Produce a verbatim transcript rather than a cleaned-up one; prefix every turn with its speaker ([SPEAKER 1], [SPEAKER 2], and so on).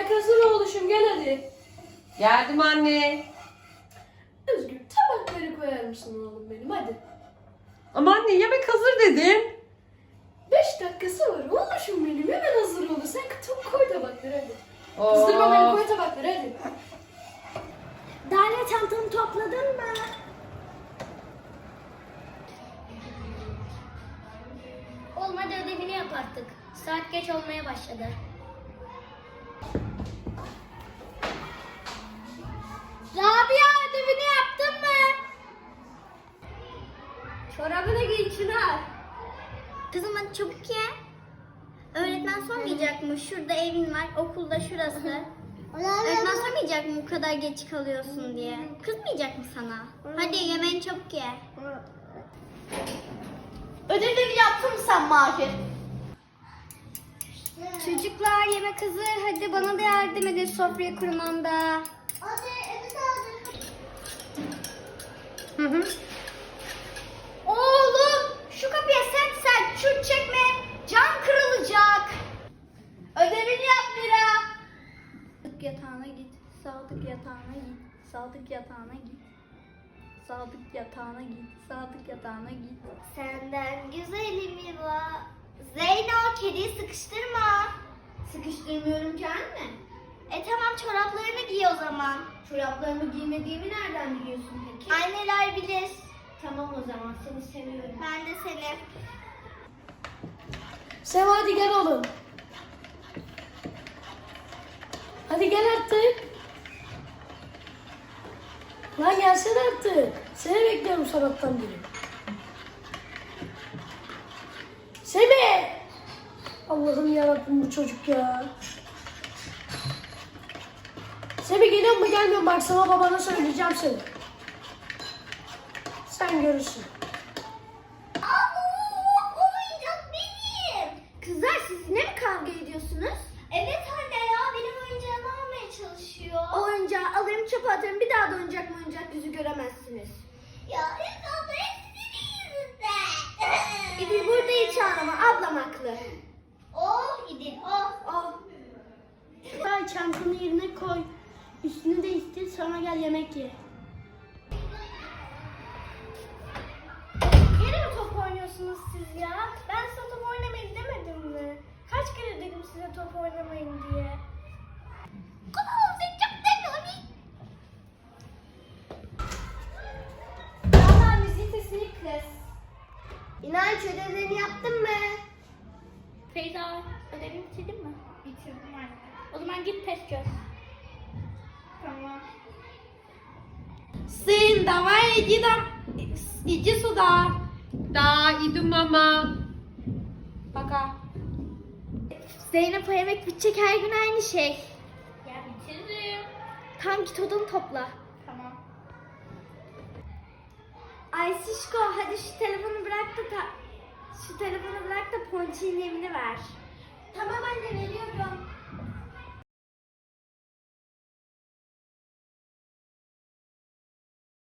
[SPEAKER 1] Yemek hazır oğluşum, gel hadi.
[SPEAKER 2] Geldim anne.
[SPEAKER 1] Özgür, tabakları koyar mısın oğlum benim, hadi.
[SPEAKER 2] Ama anne yemek hazır dedim.
[SPEAKER 1] Beş dakikası var oğluşum benim, hemen hazır olur. Sen çok koy tabakları hadi.
[SPEAKER 2] Of.
[SPEAKER 1] Kızdırma beni, koy tabakları hadi.
[SPEAKER 3] Dale, çantanı topladın mı? Olmadı, ödevini yap artık. Saat geç olmaya başladı. Rabia, ödevini yaptın mı? Çorabını giy Çınar. Kızım hadi çabuk ye. Öğretmen sormayacak mı? Şurada evin var, okulda şurası. Öğretmen sormayacak mı bu kadar geç kalıyorsun diye? Kızmayacak mı sana? Hadi yemeğini çabuk ye.
[SPEAKER 4] Ödevini yaptın mı sen Mahir?
[SPEAKER 3] Çocuklar yemek hazır. Hadi bana da yardım edin sofrayı kurmamda.
[SPEAKER 4] Hadi evet hadi.
[SPEAKER 3] Hı hı. Oğlum şu kapıya sert sert şut çekme. Cam kırılacak.
[SPEAKER 4] Ödevini yap Mira.
[SPEAKER 3] Sadık yatağına git. Sadık yatağına git. Sadık yatağına git. Sadık yatağına git. Sadık yatağına git.
[SPEAKER 4] Senden güzelim var. Zeyno kediyi sıkıştırma. Sıkıştırmıyorum ki anne. E tamam çoraplarını giy o zaman. Çoraplarımı giymediğimi nereden biliyorsun peki? Anneler bilir. Tamam o zaman seni seviyorum. Ben de seni.
[SPEAKER 1] Seva hadi gel oğlum. Hadi gel artık. Lan gelsene artık. Seni bekliyorum sabahtan beri. Semih! Allah'ım yarabbim bu çocuk ya. Semih geliyor mu gelmiyor mu? Bak sana babana söyleyeceğim seni. Sen görürsün.
[SPEAKER 4] O oyuncak benim.
[SPEAKER 3] Kızlar siz ne mi kavga ediyorsunuz?
[SPEAKER 4] Evet anne ya benim oyuncağımı almaya çalışıyor.
[SPEAKER 3] O oyuncağı alırım çöpe atarım. Bir daha da oyuncak mı oyuncak yüzü göremezsiniz.
[SPEAKER 4] Ya evet abla hep senin yüzünden.
[SPEAKER 3] İdil burada hiç ağlama. Ablam haklı.
[SPEAKER 4] Oh İdil oh.
[SPEAKER 3] Oh.
[SPEAKER 1] Ay çantanı yerine koy. Üstünü değiştir sonra gel yemek ye.
[SPEAKER 3] Yine mi top oynuyorsunuz siz ya? Ben size top oynamayın demedim mi? Kaç kere dedim size top oynamayın diye.
[SPEAKER 4] Valla müziğin sesini kız.
[SPEAKER 3] İnanç ödevlerini yaptın mı?
[SPEAKER 4] Feyza ödevini bitirdin mi? Bitirdim anne. O zaman git test çöz. Tamam.
[SPEAKER 2] Sin, давай иди там, иди сюда. Да, иду мама. Пока.
[SPEAKER 3] Zeynep o yemek bitecek her gün aynı şey.
[SPEAKER 4] Ya bitiririm.
[SPEAKER 3] Tam git odanı topla.
[SPEAKER 4] Tamam.
[SPEAKER 3] Ay Şişko hadi şu telefonu bırak da ta- şu telefonu bırak da Ponçik'in evini ver.
[SPEAKER 4] Tamam anne veriyorum.